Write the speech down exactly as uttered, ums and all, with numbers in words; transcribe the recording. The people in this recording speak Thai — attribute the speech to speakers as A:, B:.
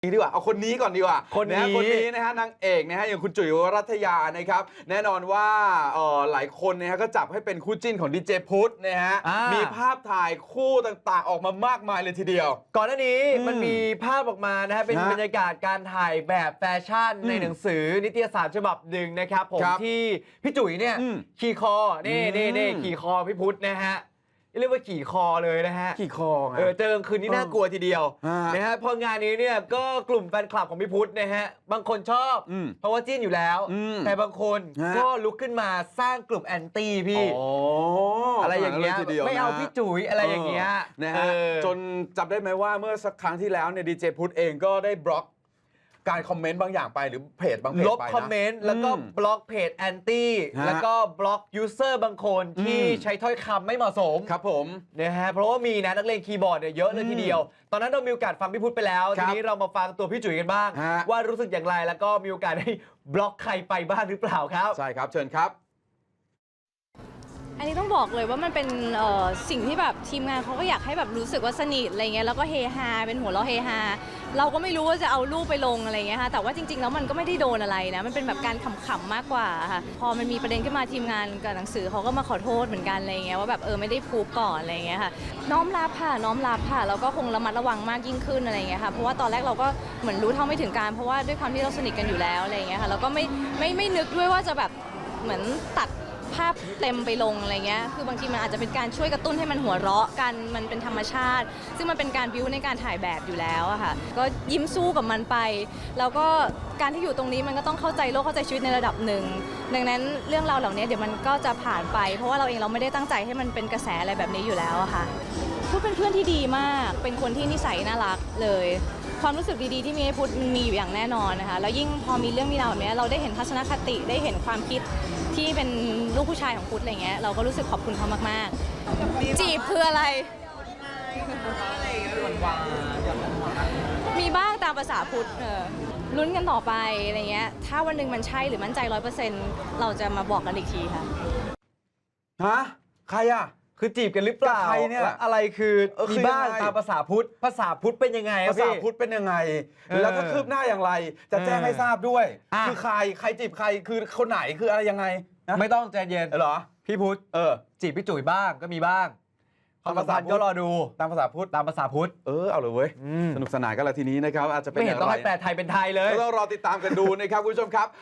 A: ดีกว่าเอาคนนี้ก่อนดีกว่า
B: คนนี้
A: ะคนนี้นะฮะนางเอกนะฮะอย่างคุณจุ๋ยวรัตยานะครับแน่นอนว่าเอ่อหลายคนนะฮะก็จับให้เป็นคู่จิ้นของดีเจพุทธนะฮะ
B: อ่ามี
A: มีภาพถ่ายคู่ต่างๆออกมามากมายเลยทีเดียว
B: ก่อนหน้านี้
A: อืม
B: มันมีภาพออกมานะฮะเป็น
A: ฮะ
B: บรรยากาศการถ่ายแบบแฟชั่น
A: อืม
B: ในหนังสือนิตยสารฉบับหนึ่งนะครับผม
A: ครับ
B: ที่พี่จุ๋ยเนี่ย
A: อืม
B: ขี่คอนี่
A: อืม
B: นี่นี่ขี่คอพี่พุทธนะฮะเรียกว่าขี่คอเลยนะฮะ
A: ขี่คอไง
B: เออเจอกลางคืนนี่
A: เออ
B: น่ากลัวทีเดียว
A: ฮะ
B: นะฮะพองานนี้เนี่ยก็กลุ่มแฟนคลับของพี่พุทธนะฮะบางคนชอบ
A: อืม
B: เพราะว่าจิ้นอยู่แล้ว
A: อืม
B: แต่บางคน
A: ฮะ
B: ก็ลุกขึ้นมาสร้างกลุ่มแอนตี้พี่
A: อ๋อ
B: อะไรอย่างเงี้ย
A: ขนดนั้นลทีดีว
B: ไม่เอา
A: นะ
B: พี่จุ๋ยอะไรอย่างเงี้ย
A: นะ
B: เอ
A: ฮะ
B: อ
A: จนจำได้ไหมว่าเมื่อสักครั้งที่แล้วเนี่ยดีเจพุทธเองก็ได้บล็อกการคอมเมนต์บางอย่างไปหรือเพจบางเพจ
B: ลบ
A: ไปนะ
B: คอมเมนต์แล้วก็
A: อืม
B: บล็อกเพจแอนตี้
A: ฮะ
B: แล้วก็บล็อกยูเซอร์บางคนที่
A: อืม
B: ใช้ถ้อยคำไม่เหมาะสม
A: ครับผม
B: นะฮะเพราะว่ามีนะนักเลงคีย์บอร์ดเนี่ยเยอะเลยทีเดียว ตอนนั้นเรามีโอกาสฟังพี่พุทธไปแล้ว
A: ค
B: ที
A: รับ
B: นี้เรามาฟังตัวพี่จุ๋ยกันบ้าง
A: ฮะ
B: ว่ารู้สึกอย่างไรแล้วก็มีโอกาสได้บล็อกใครไปบ้างหรือเปล่าครับ
A: ใช่ครับเชิญครับ
C: อันนี้ต้องบอกเลยว่ามันเป็นเอ่อสิ่งที่แบบทีมงานเขาก็อยากให้แบบรู้สึกว่าสนิทอะไรเงี้ยแล้วก็เฮฮาเป็นหัวเราะเฮฮาเราก็ไม่รู้ว่าจะเอารูปไปลงอะไรเงี้ยค่ะแต่ว่าจริงๆแล้วมันก็ไม่ได้โดนอะไรนะมันเป็นแบบการขำๆมากกว่าค่ะพอมันมีประเด็นขึ้นมาทีมงานกับหนังสือเขาก็มาขอโทษเหมือนกันอะไรเงี้ยว่าแบบเออไม่ได้พูดก่อนอะไรเงี้ยค่ะน้อมรับค่ะน้อมรับค่ะแล้วก็คงระมัดระวังมากยิ่งขึ้นอะไรเงี้ยค่ะเพราะว่าตอนแรกเราก็เหมือนรู้เท่าไม่ถึงการเพราะว่าด้วยความที่เราสนิทกันอยู่แล้วอะไรเงี้ยค่ะแล้วก็ไม่ไม่ไม่นึกด้วยว่าจะแบบเหมือนตัดภาพเต็มไปลงอะไรเงี้ย คือบางทีมันอาจจะเป็นการช่วยกระตุ้นให้มันหัวเราะกัน มันเป็นธรรมชาติ ซึ่งมันเป็นการบิ้วในการถ่ายแบบอยู่แล้วอะค่ะ ก็ยิ้มสู้กับมันไป แล้วก็การที่อยู่ตรงนี้มันก็ต้องเข้าใจโลกเข้าใจชีวิตในระดับหนึ่ง ดังนั้นเรื่องราวเหล่านี้เดี๋ยวมันก็จะผ่านไป เพราะว่าเราเองเราไม่ได้ตั้งใจให้มันเป็นกระแสอะไรแบบนี้อยู่แล้วอะค่ะพุทธเป็นเพื่อนที่ดีมาก เป็นคนที่นิสัยน่ารักเลย ความรู้สึกดีๆที่มีให้พุทธมันมีอยู่อย่างแน่นอนนะคะ แล้วยิ่งพอมีเรื่องมีราวแบบนี้เราได้เห็นทัศนคติได้เห็นความคิดที่เป็นลูกผู้ชายของพุทธอะไรเงี้ยเราก็รู้สึกขอบคุณเขามากๆจีบคืออะไร มีบ้างตามภาษาพุทธเออลุ้นกันต่อไปอะไรเงี้ยถ้าวันหนึ่งมันใช่หรือมั่นใจร้อยเปอร์เซ็นต์เราจะมาบอกกันอีกทีค่ะ
A: ฮะ ใครอ่ะ
B: คือจีบกันหรือเปล่า
A: กับใครเนี่ย
B: และอะไรคือ
A: เออคือ
B: มีบ้าง
A: ยังไง
B: ตามภาษาพุทธภาษาพุทธเป็นยังไงอะ
A: ภาษา
B: พี่
A: พุทธเป็นยังไง
B: เออ
A: แล้วถ้าคืบหน้าอย่างไร จะแจ้ง
B: เออ
A: ให้ทราบด้วย
B: อ่ะ
A: คือใคร ใครจีบใคร คือคนไหน คืออะไรยังไงนะ
B: ไม่ต้องใจเย็น
A: เหรอ
B: พี่พุทธ
A: เออ
B: จีบพี่จุ๋ยบ้างก็มีบ้างความสัมพันธ์
A: ตามภาษาพุทธ
B: ก็รอดู
A: ตามภาษาพุทธ
B: ตามภาษาพุทธ
A: เออ เอาเลยเว้ย
B: อืม
A: สนุกสนานกันละทีนี้นะครับ อาจจะเป็น
B: ไม่
A: อ
B: เห็น
A: ย่าง
B: ต้อง
A: ไร
B: ให้แปลไทยเป็นไทยเลย
A: ก็ต้องรอติดตามกันดูนะครับคุณผู้ชมครับ